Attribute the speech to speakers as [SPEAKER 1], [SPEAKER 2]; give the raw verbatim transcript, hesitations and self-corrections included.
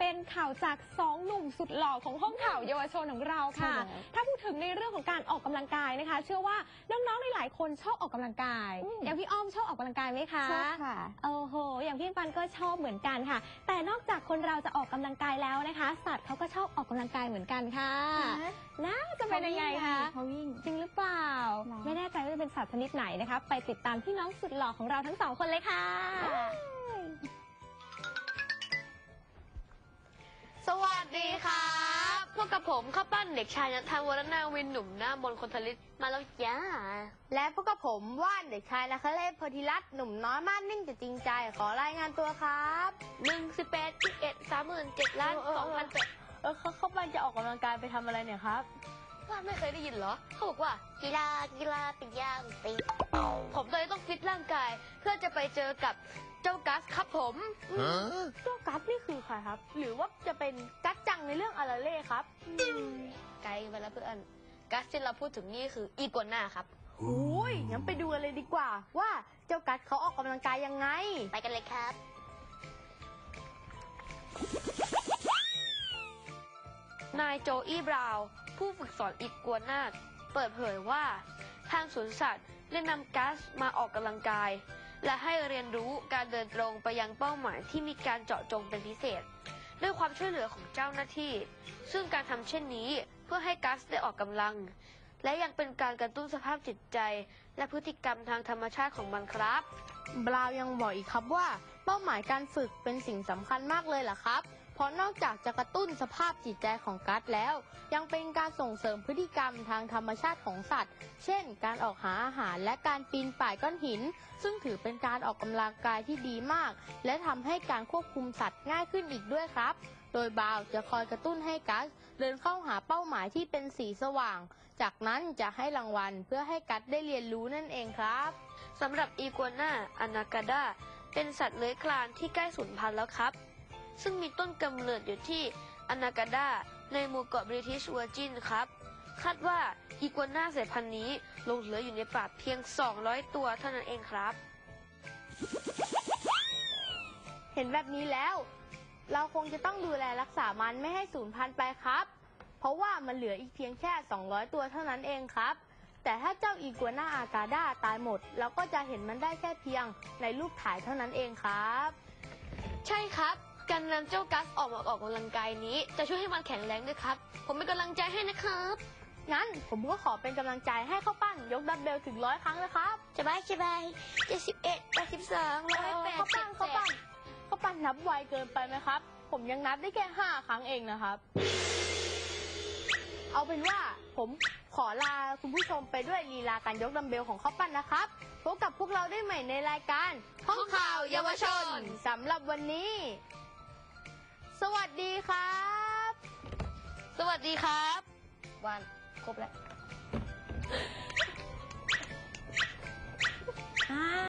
[SPEAKER 1] เป็นข่าวจากสองหนุ่มสุดหล่อของห้องข่าวเยาวชนของเราค่ะถ้าพูดถึงในเรื่องของการออกกำลังกายนะคะเชื่อว่าน้องๆหลายๆคนชอบออกกำลังกายอย่างพี่อ้อมชอบออกกำลังกายไหมคะ
[SPEAKER 2] ชอบค่ะ
[SPEAKER 1] โอ้โหอย่างพี่ปันก็ชอบเหมือนกันค่ะแต่นอกจากคนเราจะออกกำลังกายแล้วนะคะสัตว์เขาก็ชอบออกกำลังกายเหมือนกันค่ะน่าจะเป็นยังไงคะ
[SPEAKER 2] เขาวิ่ง
[SPEAKER 1] จริงหรือเปล่าไม่แน่ใจว่าจะเป็นสัตว์ชนิดไหนนะคะไปติดตามพี่น้องสุดหล่อของเราทั้งสองคนเลยค่ะ
[SPEAKER 3] สวัสดีครับพวกกับผมข้าวปั้นเด็กชายนัทวรนาวินหนุ่มหน้ามนคนทลิตมาแล้วจ้า
[SPEAKER 2] และพวกกับผมว่านเด็กชายนัคเลศโพธิรัตน์หนุ่มน้อยมากนิ่งแต่จริงใจขอรายงานตัวครับ
[SPEAKER 3] หนึ่งสิบแปดสิบเอ็ดสามหมื่นเจ็ดล้านสองพันแปด
[SPEAKER 2] เออเขาเขาปั้นจะออกกำลังกายไปทำอะไรเนี่ยครับ
[SPEAKER 3] ว่าไม่เคยได้ยินเหรอเขาบอกว่ากีฬากีฬาเป็นย่างตีผมเลยต้องฟิตร่างกายเพื่อจะไปเจอกับเจ้ากัสครับผม
[SPEAKER 2] เจ้ากัสนี่คือใครครับหรือว่าจะเป็นกัสจังในเรื่องอาราเล่ครับ
[SPEAKER 3] ไกลไปแล้วเพื่อนกัสที่เราพูดถึงนี่คืออีกัวน่าครับ
[SPEAKER 2] โอ้ยงั้นไปดูกันเลยดีกว่าว่าเจ้ากัสเขาออกกำลังกายยังไง
[SPEAKER 3] ไปกันเลยครับนายโจอี้บราวน์ผู้ฝึกสอนอีกัวน่าเปิดเผยว่าทางสวนสัตว์ได้นำกัสมาออกกำลังกายและให้เรียนรู้การเดินตรงไปยังเป้าหมายที่มีการเจาะจงเป็นพิเศษด้วยความช่วยเหลือของเจ้าหน้าที่ซึ่งการทำเช่นนี้เพื่อให้กัสได้ออกกำลังและยังเป็นการกระตุ้นสภาพจิตใจและพฤติกรรมทางธรรมชาติของมันครับ
[SPEAKER 2] บราวน์ยังบอกอีกครับว่าเป้าหมายการฝึกเป็นสิ่งสำคัญมากเลยล่ะครับเพราะนอกจากจะกระตุ้นสภาพจิตใจของกัสแล้วยังเป็นการส่งเสริมพฤติกรรมทางธรรมชาติของสัตว์เช่นการออกหาอาหารและการปีนป่ายก้อนหินซึ่งถือเป็นการออกกำลังกายที่ดีมากและทำให้การควบคุมสัตว์ง่ายขึ้นอีกด้วยครับโดยบราวน์จะคอยกระตุ้นให้กัสเดินเข้าหาเป้าหมายที่เป็นสีสว่างจากนั้นจะให้รางวัลเพื่อให้กัสได้เรียนรู้นั่นเองครับ
[SPEAKER 3] สำหรับอีกัวน่าอนาคาดาเป็นสัตว์เลื้อยคลานที่ใกล้สูญพันธุ์แล้วครับซึ่งมีต้นกำเนิดอยู่ที่อนาคาดาในหมู่เกาะบริทิชเวอร์จินครับคาดว่าอีกัวน่าสายพันธุ์นี้หลงเหลืออยู่ในป่าเพียงสองร้อยตัวเท่านั้นเองครับ
[SPEAKER 2] เห็นแบบนี้แล้วเราคงจะต้องดูแลรักษามันไม่ให้สูญพันธุ์ไปครับเพราะว่ามันเหลืออีกเพียงแค่สองร้อยตัวเท่านั้นเองครับแต่ถ้าเจ้าอีกัวน่าอากาดาตายหมดเราก็จะเห็นมันได้แค่เพียงในรูปถ่ายเท่านั้นเองครับ
[SPEAKER 3] ใช่ครับการนำเจ้ากัสออกมาออกกำลังกายนี้จะช่วยให้มันแข็งแรงด้วยครับผมเป็นกำลังใจให้นะครับ
[SPEAKER 2] งั้นผมก็ขอเป็นกำลังใจให้ข้าวปั้นยกดัมเบลถึงร้อยครั้งนะครับ
[SPEAKER 3] สบายสบายเจ็ดสิบเอ็ดแปดสิบสองร้อยแปดสิบ
[SPEAKER 2] ข้าวปั้นข้าวปั้นนับไวเกินไปไหมครับผมยังนับได้แค่ห้าครั้งเองนะครับเอาเป็นว่าผมขอลาคุณผู้ชมไปด้วยลีลาการยกดัมเบลของข้าวปั้นนะครับพบกับพวกเราได้ใหม่ในรายการ
[SPEAKER 3] ห้องข่าวเยาวชน
[SPEAKER 2] สำหรับวันนี้สวัสดีครับ
[SPEAKER 3] สวัสดีครับวันครบแล้ว